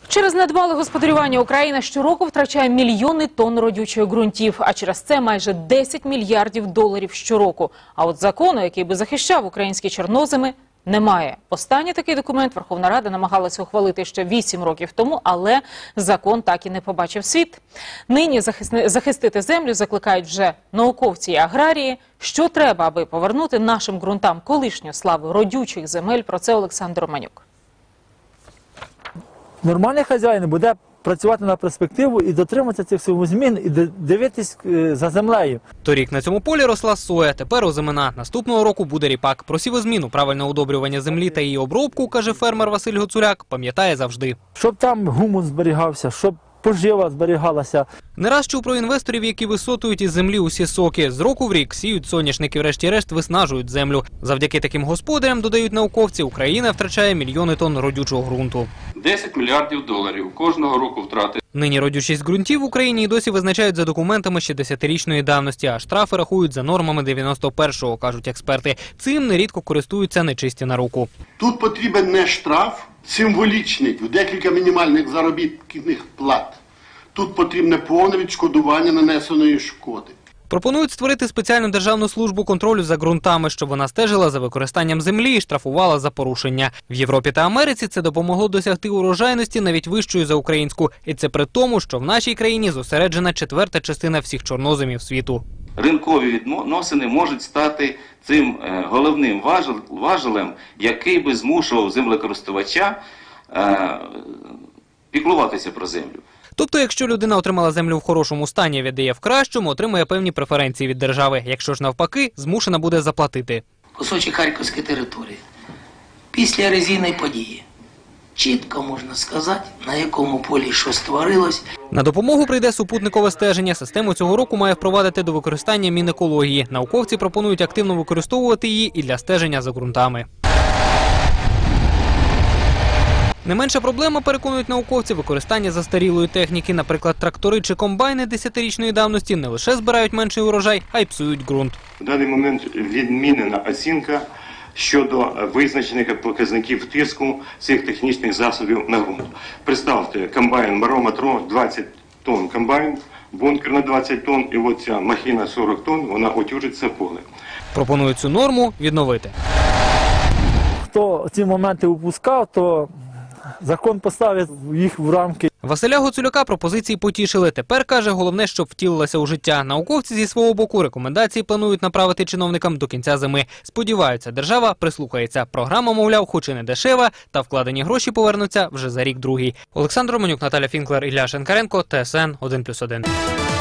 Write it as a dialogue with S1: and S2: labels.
S1: Через недбале господарювання Україна щороку втрачає мільйони тонн родючих ґрунтів, а через це майже 10 мільярдів доларів щороку. А от закону, який би захищав українські чорноземи, немає. Останній такий документ Верховна Рада намагалася ухвалити ще 8 років тому, але закон так і не побачив світ. Нині захистити землю закликають вже науковці і аграрії. Що треба, аби повернути нашим ґрунтам колишню славу родючих земель? Про це Олександр Романюк.
S2: Нормальний хазяїн буде працювати на перспективу і дотримуватися цих всіх змін, і дивитись за землею.
S3: Торік на цьому полі росла соя, тепер озимина. Наступного року буде ріпак. Про сівозміну, правильне удобрювання землі та її обробку, каже фермер Василь Гоцуляк, пам'ятає завжди.
S2: Щоб там гумус зберігався, щоб пожива зберігалася.
S3: Не раз чув про інвесторів, які висотують із землі усі соки. З року в рік сіють соняшники, врешті-решт виснажують землю. Завдяки таким господарям, додають науковці, Україна втрачає мільйони тонн родючого ґрунту.
S4: 10 мільярдів доларів кожного року втрати.
S3: Нині родючість ґрунтів в Україні і досі визначають за документами ще 10-річної давності, а штрафи рахують за нормами 91-го, кажуть експерти. Цим нерідко користуються нечисті на руку.
S5: Тут потрібен не штраф символічний, в декілька мінімальних заробітних плат. Тут потрібне повне відшкодування нанесеної шкоди.
S3: Пропонують створити спеціальну державну службу контролю за ґрунтами, щоб вона стежила за використанням землі і штрафувала за порушення. В Європі та Америці це допомогло досягти урожайності навіть вищої за українську. І це при тому, що в нашій країні зосереджена четверта частина всіх чорноземів світу.
S6: Ринкові відносини можуть стати цим головним важелем, який би змушував землекористувача піклуватися про землю.
S3: Тобто, якщо людина отримала землю в хорошому стані і віддає в кращому, отримує певні преференції від держави. Якщо ж навпаки, змушена буде заплатити.
S7: Кусочок Харківської території. Після ерозійної події. Чітко можна сказати, на якому полі що створилось.
S3: На допомогу прийде супутникове стеження. Систему цього року має впровадити до використання Мінекології. Науковці пропонують активно використовувати її і для стеження за ґрунтами. Не менша проблема, переконують науковці, використання застарілої техніки. Наприклад, трактори чи комбайни 10-річної давності не лише збирають менший урожай, а й псують ґрунт.
S8: В даний момент відмінена оцінка щодо визначених показників тиску цих технічних засобів на ґрунт. Представте, комбайн Маро-Матро 20 тонн комбайн, бункер на 20 тонн, і от ця махіна 40 тонн, вона отюжить це поле.
S3: Пропонують цю норму відновити.
S2: Хто ці моменти упускав, то закон поставить їх в рамки.
S3: Василя Гоцуляка пропозиції потішили. Тепер, каже, головне, щоб втілилося у життя. Науковці зі свого боку рекомендації планують направити чиновникам до кінця зими. Сподіваються, держава прислухається. Програма, мовляв, хоч і не дешева, та вкладені гроші повернуться вже за рік-другий. Олександр Романюк, Наталя Фінклер, Ілля Шенкаренко, ТСН 1+1.